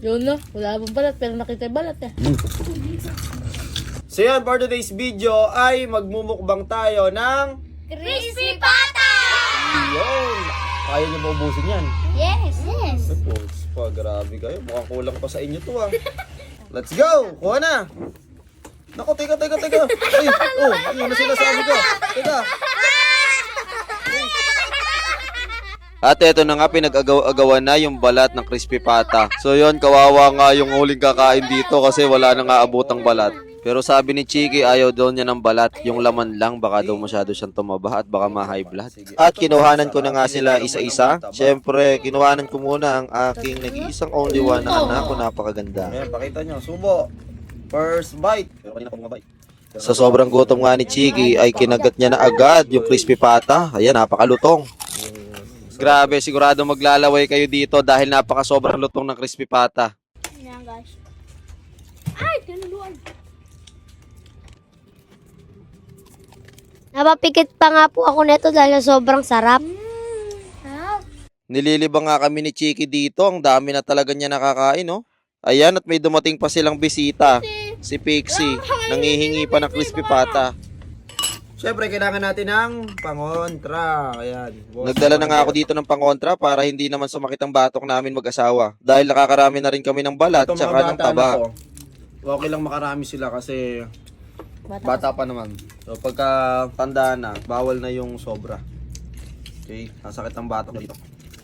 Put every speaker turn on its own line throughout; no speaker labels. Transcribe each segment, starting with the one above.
Yun no, wala pang balat pero nakita yung balat eh.
So yan, for today's video ay magmumukbang tayo ng
Crispy Pata!
yun. Kaya niyo ba ubusin yan?
Yes! Yes!
Tapos pa, grabe kayo. Mukhang kulang pa sa inyo to ah. Let's go! Kuha na! Naku, teka. Ay, oh, yun na sinasabi ko. Teka. At eto na nga, pinag-agawan na yung balat ng crispy pata. So yun, kawawa nga yung huling kakain dito kasi wala na nga abotang balat. Pero sabi ni Chiki, ayaw daw niya ng balat. Yung laman lang, baka daw masyado siyang tumaba at baka ma-high blood. At kinuhanan ko na nga sila isa-isa. Siyempre, kinuhanan ko muna ang aking nag-iisang only one na anak ko, napakaganda. Ayan, pakita nyo, subo. First bite. Pero kanina pa bumabite. Sa sobrang gutom nga ni Chiki, ay kinagat niya na agad yung crispy pata. Ayan, napakalutong. Grabe, sigurado maglalaway kayo dito dahil napaka-sobrang lutong ng crispy pata.
Yan guys. Ay! Tinuluan! Napapikit pa nga po ako nito dahil sobrang sarap. Sarap.
Nililibang nga kami ni Chiki dito. Ang dami na talaga niya nakakain, no? Ayan, at may dumating pa silang bisita. Si Pixie. Nangihingi pa ng crispy pata. Siyempre, kailangan natin ng pangontra. Ayan. Nagdala na nga ako dito ng pangontra para hindi naman sumakit ang batok namin mag-asawa. Dahil nakakarami na rin kami ng balat at ng taba. Okay lang makarami sila kasi bata pa naman. So pagka tanda na, bawal na yung sobra. Okay, nasakit ang batok dito.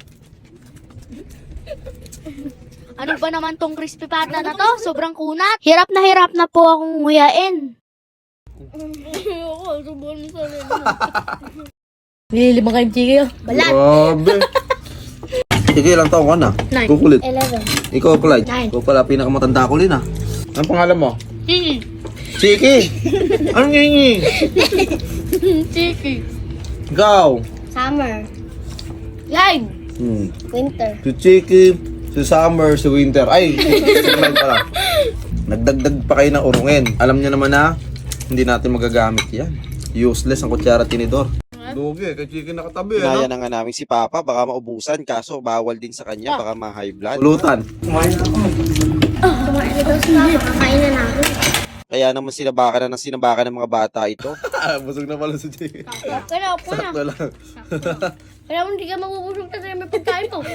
Ano ba naman tong crispy pata na to? Sobrang kunat. Hirap na po akong nguyain.
Ayoko, subuhan mo sa rin. Nililibang kayong Chiki oh.
Balat.
Grabe. Sige, ilang taon ka na?
9.
Kukulit.
11.
Ikaw, Clyde.
9.
Ikaw pala, pinakamatanda ko rin ah. Anong pangalan mo?
Chiki.
Chiki! Anong hingi?
Chiki.
Ikaw?
Summer.
Live.
Winter.
Si Chiki, si Summer, si Winter. Ay, si Clyde pala. Nagdagdag pa kayo ng urungin. Alam niyo naman na, hindi natin magagamit yan. Useless ang kutsara tinidor. Dugi, kay Chiki nakatabi. Kaya na nga namin si Papa, baka maubusan. Kaso bawal din sa kanya, baka ma-high blood. Pulutan.
Kumain na daw si Papa. Kakain na namin.
Kaya naman sinabakan ng mga bata ito. Busog na pala si Chiki.
Kaya ako na.
Sakto lang.
Kaya kung hindi ka mabubusog kasi may pagkain ko.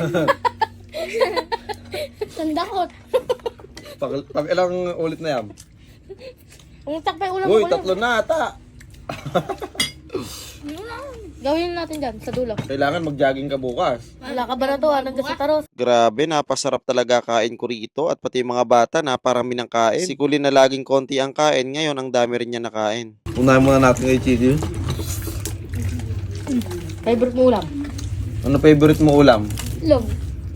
Sandakot.
Pag ilang ulit na yan?
Umutak pa yung ulam
Uy,
ko.
tatlo na ata.
Gawin natin dyan, sa dulo.
Kailangan mag-jogging ka bukas.
Wala ka ba na to, hanggang sa taros.
Grabe, napasarap talaga kain ko rito at pati yung mga bata, naparami ng kain. Si Kulin na laging konti ang kain, ngayon ang dami rin niya nakain. Unahin muna natin kay Chiki.
Favorite mo ulam?
Ano favorite mo ulam?
Log.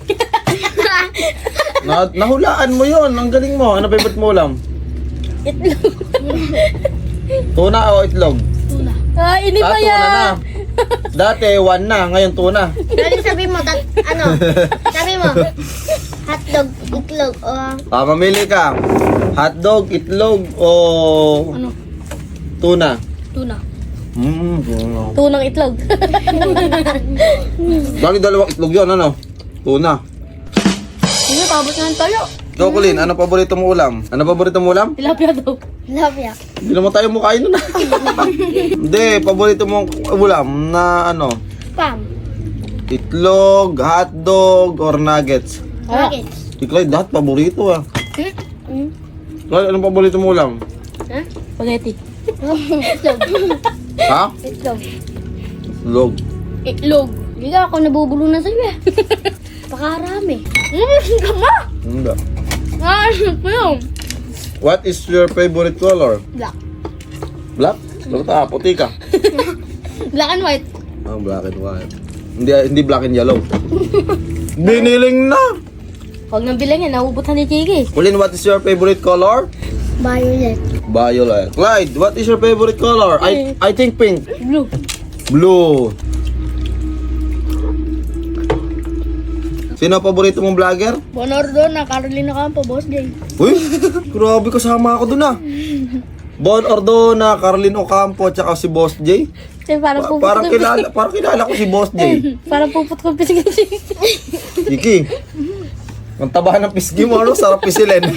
Nahulaan mo yon, ang galing mo. Ano favorite mo ulam?
Itlog.
Tuna o itlog?
Tuna. Ah, ini pa
Tuna
yan.
na. Dati 1 na, ngayon tuna.
Dali sabi mo, sabi mo, hotdog, itlog, o
Mamili ka. Hotdog, itlog o
Ano?
tuna?
Tuna.
Tuna.
Tunang itlog.
Bakit dalawang itlog yun, ano? Tuna.
Hindi, pabot na ng tayo.
Ikaw, Kulin, ano paborito mo ulam? Ano paborito mo ulam?
Tilapia daw.
love ya.
Hindi naman tayo mukhain nun. Hindi, paborito mong ulam na ano?
Spam.
Itlog, hotdog, or nuggets?
Nuggets.
Ikaw, lahat paborito ah. Clyde, anong paborito mo ulam?
Ha?
Spaghetti.
Itlog.
Ha?
Itlog.
Itlog.
Itlog.
Hindi ka ako nabubulunan sa'yo eh. Pakarami.
Kama!
Hindi.
Ah, ano yun?
What is your favorite color?
Black.
Black? Bakit puti ka?
Black and white.
Oh, black and white. Hindi black and yellow. Biniling na!
Huwag nang bilang yan, nauubutan ni Chiki.
Kulin, what is your favorite color?
Violet.
Violet. Clyde, what is your favorite color? I think pink.
Blue.
Blue. Sino ang paborito mong vlogger?
Bonordo na, Carolina Campo, Boss Jay.
Uy, grabe kasama ako dun ah. Bon Ordona, Carlin Ocampo, tsaka si Boss J.
Parang puput
Parang kilala ko si Boss J.
Parang puput ko pisig.
Iki, Ang taba ng pisgi mo, ano? Sarap pisilin.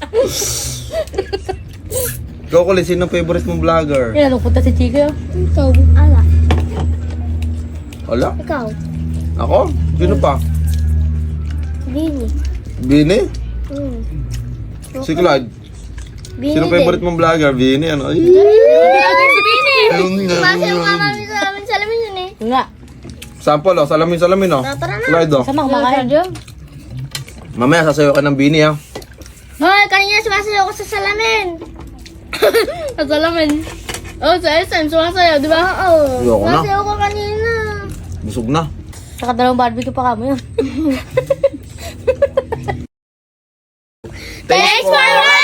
Ikaw kulit, sino favorite mong vlogger?
Nalungkot na si Chico.
Ikaw. Ala.
Wala?
Ikaw.
Ako? Sino pa?
Bini.
Bini?
Hmm.
Si Clyde.
Bini
Sino favorite mong vlogger? Bini, ano? Ay,
Si Bini. Basta yung mama namin sa amin salamin yun eh.
Nga.
sample, oh. Salamin, oh.
Tara na.
Clyde, oh.
Sama kumakain.
Mamaya, sasayo ka ng Bini, ha?
Hoy, kanina sumasayaw ko sa salamin. Sa salamin. Oh, sa SM, sumasayaw, di ba? Oo.
Ayoko na.
Sumasayaw ko kanina.
Busog na.
Saka dalawang barbecue pa kamo yun.
Thanks for watching!